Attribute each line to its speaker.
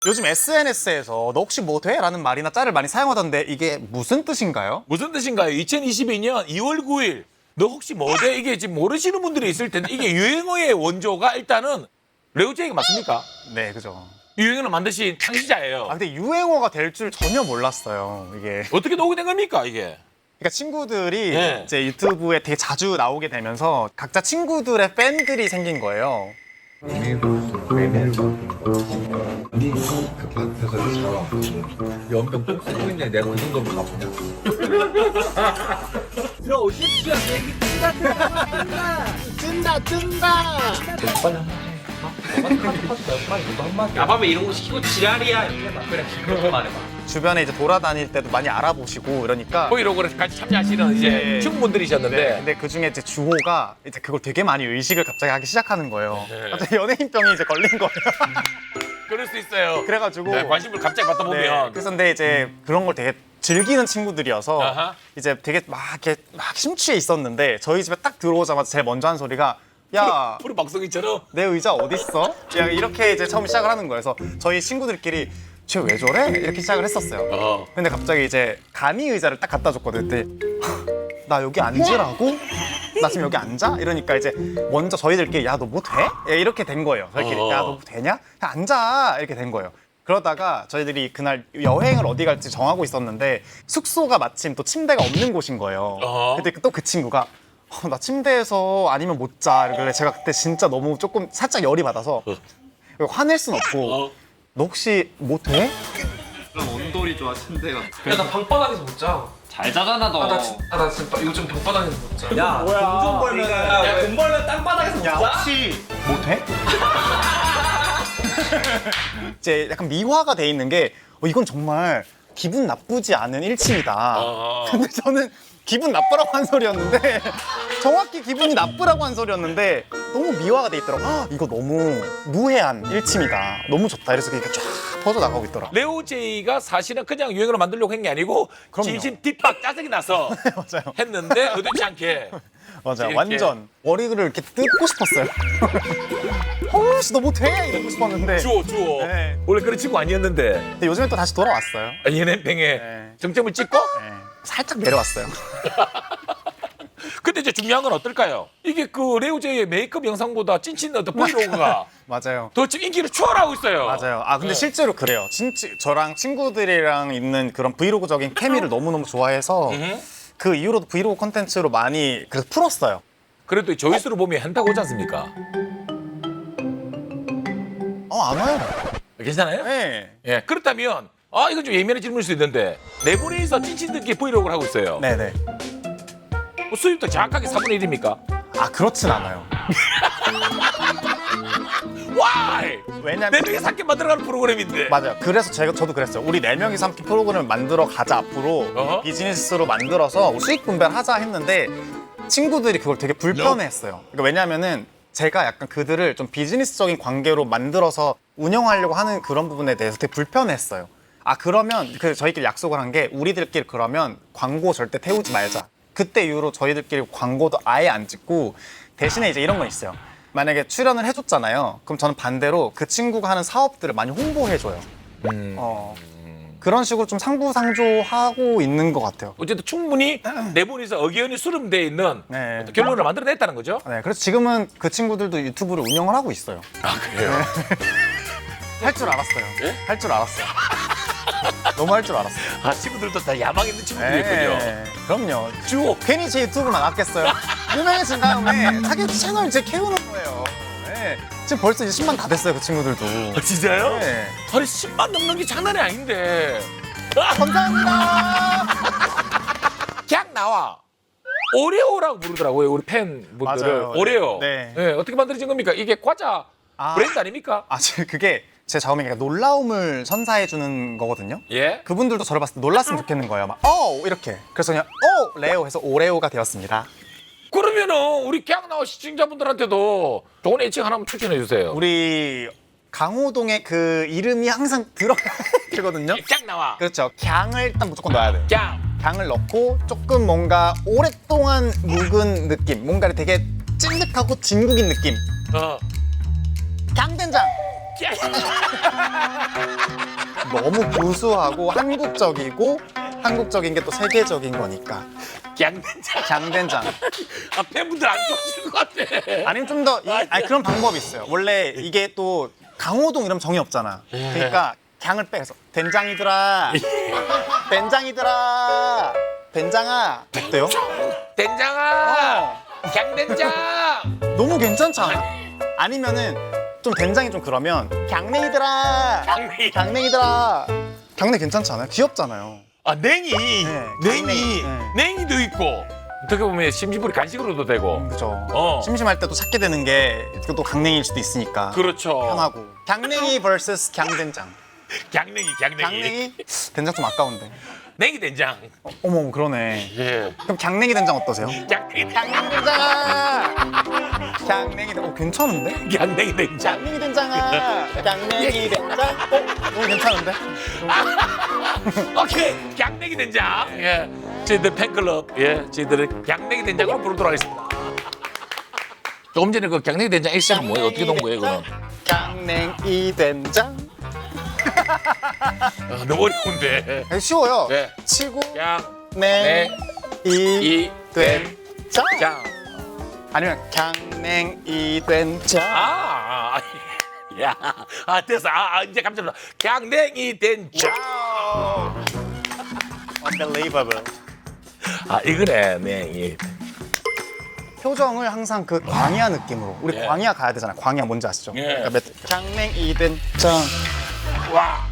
Speaker 1: 요즘 SNS에서 너 혹시 뭐 돼? 라는 말이나 짤을 많이 사용하던데 이게 무슨 뜻인가요?
Speaker 2: 무슨 뜻인가요? 2022년 2월 9일 너 혹시 뭐 돼? 이게 지금 모르시는 분들이 있을 텐데 이게 유행어의 원조가 일단은 레오제이가 맞습니까?
Speaker 1: 네, 그죠.
Speaker 2: 유행어를 만드신 창시자예요.
Speaker 1: 아, 근데 유행어가 될 줄 전혀 몰랐어요, 이게.
Speaker 2: 어떻게 오게 된 겁니까 이게?
Speaker 1: 그러니까 친구들이
Speaker 2: 네.
Speaker 1: 이제 유튜브에 되게 자주 나오게 되면서 각자 친구들의 팬들이 생긴 거예요.
Speaker 3: 네 밭에서 자라 연병 꼭 쓰고 있네. 내가 그 정도면 가보냐.
Speaker 4: 들어오십시오. 얘기 야밤에 이런 거 시키고 지랄이야 이렇게 해봐. 그래 그렇게만 해봐.
Speaker 1: 주변에 이제 돌아다닐 때도 많이 알아보시고 이러니까.
Speaker 2: 브이로그를 같이 참여하시는 이제
Speaker 1: 네.
Speaker 2: 친구분들이셨는데
Speaker 1: 네, 근데 그 중에 이제 주호가 이제 그걸 되게 많이 의식을 갑자기 하기 시작하는 거예요.
Speaker 2: 네.
Speaker 1: 갑자기 연예인병이 이제 걸린 거예요.
Speaker 2: 그럴 수 있어요.
Speaker 1: 그래가지고.
Speaker 2: 네, 관심을 갑자기 받다
Speaker 1: 네,
Speaker 2: 보면
Speaker 1: 그래서 근데 이제 그런 걸 되게 즐기는 친구들이어서
Speaker 2: 아하.
Speaker 1: 이제 되게 막 이렇게 막 심취해 있었는데 저희 집에 딱 들어오자마자 제일 먼저 한 소리가 야,
Speaker 2: 프로 박성희처럼
Speaker 1: 내 의자 어디 있어? 이렇게 이제 처음 시작을 하는 거예요. 그래서 저희 친구들끼리 쟤 왜 저래? 이렇게 시작을 했었어요. 근데 갑자기 이제 가미 의자를 딱 갖다 줬거든. 그때 나 여기 앉으라고? 나 지금 여기 앉아? 이러니까 이제 먼저 저희들끼리 야 너 뭐 돼? 이렇게 된 거예요. 저희끼리 야 너 뭐 되냐? 야, 앉아 이렇게 된 거예요. 그러다가 저희들이 그날 여행을 어디 갈지 정하고 있었는데 숙소가 마침 또 침대가 없는 곳인 거예요. 근데 또 그 친구가 나 침대에서 아니면 못 자. 그래 제가 그때 진짜 너무 조금 살짝 열이 받아서 화낼 순 없고 너 혹시 뭐 돼?
Speaker 5: 그럼 온돌이 좋아 침대가.
Speaker 4: 야나 방바닥에서 못 자.
Speaker 5: 잘 자잖아 너.
Speaker 4: 나 진짜 요즘 방바닥에서 못 자.
Speaker 1: 야, 돈 벌면
Speaker 4: 야돈 벌면 땅바닥에서 못
Speaker 1: 야,
Speaker 4: 자?
Speaker 1: 혹시 뭐 돼? 이제 약간 미화가 돼 있는 게 이건 정말 기분 나쁘지 않은 일침이다. 근데 저는 기분 나쁘라고 한 소리였는데 정확히 기분이 나쁘라고 한 소리였는데 너무 미화가 돼 있더라고. 이거 너무 무해한 일침이다. 너무 좋다. 이래서 그게 쫙 퍼져나가고 있더라.
Speaker 2: 레오제이가 사실은 그냥 유행어로 만들려고 한 게 아니고
Speaker 1: 그럼요.
Speaker 2: 진심 뒷박 짜증이 나서
Speaker 1: 맞아요.
Speaker 2: 했는데 의도치 않게
Speaker 1: 맞아요.
Speaker 2: 이렇게.
Speaker 1: 완전 머리를 이렇게 뜯고 싶었어요. 허우씨 너 뭐 돼? 이러고 싶었는데
Speaker 2: 주워
Speaker 1: 네.
Speaker 2: 원래 그런 친구 아니었는데
Speaker 1: 근데 요즘에 또 다시 돌아왔어요.
Speaker 2: 연예병에
Speaker 1: 네.
Speaker 2: 정점을 찍고
Speaker 1: 네. 살짝 내려왔어요.
Speaker 2: 근데 이제 중요한 건 어떨까요? 이게 그 레오제이의 메이크업 영상보다 찐친 어떤 브이로그가
Speaker 1: 맞아요.
Speaker 2: 더 지금 인기를 추월하고 있어요.
Speaker 1: 맞아요. 근데
Speaker 2: 네.
Speaker 1: 실제로 그래요. 진짜 저랑 친구들이랑 있는 그런 브이로그적인 케미를 너무너무 좋아해서 그 이후로도 브이로그 콘텐츠로 많이 그래서 풀었어요.
Speaker 2: 그래도 조회수를 보면 한다고 하지 않습니까?
Speaker 1: 안 와요.
Speaker 2: 괜찮아요?
Speaker 1: 네.
Speaker 2: 예. 그렇다면 이건 좀 예민한 질문일 수 있는데 네 분이서 찐친들끼리 브이로그를 하고 있어요.
Speaker 1: 네네.
Speaker 2: 뭐 수입도 정확하게 4분의 1입니까?
Speaker 1: 그렇진 않아요.
Speaker 2: 와이!
Speaker 1: 왜냐면
Speaker 2: 네 명이 함께 만들어가는 프로그램인데.
Speaker 1: 맞아요. 그래서 저도 그랬어요. 우리 네 명이서 함께 프로그램을 만들어 가자 앞으로
Speaker 2: 어허.
Speaker 1: 비즈니스로 만들어서 수익 분배하자 했는데 친구들이 그걸 되게 불편해했어요. 그러니까 왜냐면은 제가 약간 그들을 좀 비즈니스적인 관계로 만들어서 운영하려고 하는 그런 부분에 대해서 되게 불편했어요. 그러면 저희끼리 약속을 한 게 우리들끼리 그러면 광고 절대 태우지 말자. 그때 이후로 저희들끼리 광고도 아예 안 찍고 대신에 이제 이런 건 있어요. 만약에 출연을 해줬잖아요. 그럼 저는 반대로 그 친구가 하는 사업들을 많이 홍보해줘요. 그런 식으로 좀 상부상조하고 있는 것 같아요.
Speaker 2: 어쨌든 충분히 네 분이서 의견이 수렴되어 있는
Speaker 1: 네.
Speaker 2: 어떤 결론을 만들어냈다는 거죠?
Speaker 1: 네, 그래서 지금은 그 친구들도 유튜브를 운영을 하고 있어요.
Speaker 2: 그래요?
Speaker 1: 할 줄 알았어요.
Speaker 2: 예?
Speaker 1: 할 줄 알았어요. 너무 할 줄 알았어요.
Speaker 2: 친구들도 다 야망 있는 친구들이군요.
Speaker 1: 그럼요.
Speaker 2: 주호.
Speaker 1: 괜히 제 유튜브만 아꼈어요. 유명해진 다음에 자기 채널 이제 키우는 거예요. 네. 지금 벌써 이제 10만 다 됐어요, 그 친구들도.
Speaker 2: 진짜요?
Speaker 1: 네.
Speaker 2: 아니 10만 넘는 게 장난이 아닌데.
Speaker 1: 감사합니다.
Speaker 2: 그냥 나와. 오레오라고 부르더라고요, 우리 팬분들을.
Speaker 1: 맞아요.
Speaker 2: 오레오.
Speaker 1: 네.
Speaker 2: 어떻게 만들어진 겁니까? 이게 과자 브랜드 아닙니까?
Speaker 1: 그게 제 작업이니까 놀라움을 선사해 주는 거거든요.
Speaker 2: 예.
Speaker 1: 그분들도 저를 봤을 때 놀랐으면 좋겠는 거예요. 막, 이렇게. 그래서 그냥, 레오 해서 오레오가 되었습니다.
Speaker 2: 그러면은 우리 그냥 나와 시청자분들한테도 좋은 애칭 하나만 추천해 주세요.
Speaker 1: 우리 강호동의 그 이름이 항상 들어가거든요.
Speaker 2: 그냥 나와.
Speaker 1: 그렇죠. 갱을 일단 무조건 넣어야 돼요.
Speaker 2: 그냥.
Speaker 1: 갱을 넣고 조금 뭔가 오랫동안 묵은 느낌. 뭔가 되게 찐득하고 진국인 느낌.
Speaker 2: 어.
Speaker 1: 갱된장. 너무 구수하고 한국적인 게 또 세계적인 거니까.
Speaker 2: 양된장.
Speaker 1: 강된장.
Speaker 2: 아, 팬분들 안 좋아하실 것 같아.
Speaker 1: 아니면 좀 더 그런 방법이 있어요. 원래 이게 또 강호동 이러면 정이 없잖아. 그러니까 강을 빼서 된장이더라. 된장이더라. 된장아. 어때요?
Speaker 2: 된장아. 양된장.
Speaker 1: 너무 괜찮지 않아? 아니면은 좀 된장이 좀 그러면 강냉이더라.
Speaker 2: 강냉이.
Speaker 1: 강냉이더라. 강냉 괜찮지 않아요? 귀엽잖아요.
Speaker 2: 아, 냉이. 냉이.
Speaker 1: 냉이.
Speaker 2: 냉이도 있고. 어떻게 보면 심심풀이 간식으로도 되고.
Speaker 1: 그죠.
Speaker 2: 어.
Speaker 1: 심심할 때 또 찾게 되는 게 또 강냉이일 수도 있으니까.
Speaker 2: 그렇죠.
Speaker 1: 편하고. 강냉이 vs 강된장.
Speaker 2: 강냉이.
Speaker 1: 강냉이? 된장 좀 아까운데.
Speaker 2: 냉이 된장.
Speaker 1: 어머 그러네.
Speaker 2: 예.
Speaker 1: 그럼 강냉이 된장 어떠세요?
Speaker 2: 양냉이.
Speaker 1: 강냉이 된장아. 강냉이 된장. 괜찮은데?
Speaker 2: 양냉이 된장.
Speaker 1: 강냉이 된장아. 강냉이 된장. 너무 괜찮은데?
Speaker 2: 오케이. 양냉이 된장. 예. 저희들 팬클럽. 예. 저희들은 양냉이 된장으로 부르도록 하겠습니다. 조금 전에 그 양냉이 된장 액션은 뭐예요? 어떻게 된 거예요, 그건?
Speaker 1: 강냉이 된장.
Speaker 2: 아, 너무 어려운데.
Speaker 1: 쉬워요.
Speaker 2: 네.
Speaker 1: 치고
Speaker 2: 양,
Speaker 1: 냉이
Speaker 2: 이,
Speaker 1: 된장.
Speaker 2: 장.
Speaker 1: 아니면 강냉이 된장.
Speaker 2: 야, 됐어. 이제 깜짝 놀랐어. 강냉이 된장.
Speaker 1: Unbelievable.
Speaker 2: 이거네, 냉이.
Speaker 1: 표정을 항상 그 광야 느낌으로. 우리
Speaker 2: 예.
Speaker 1: 광야 가야 되잖아요. 광야 뭔지 아시죠?
Speaker 2: 예.
Speaker 1: 그러니까 강냉이 된장.
Speaker 2: 와.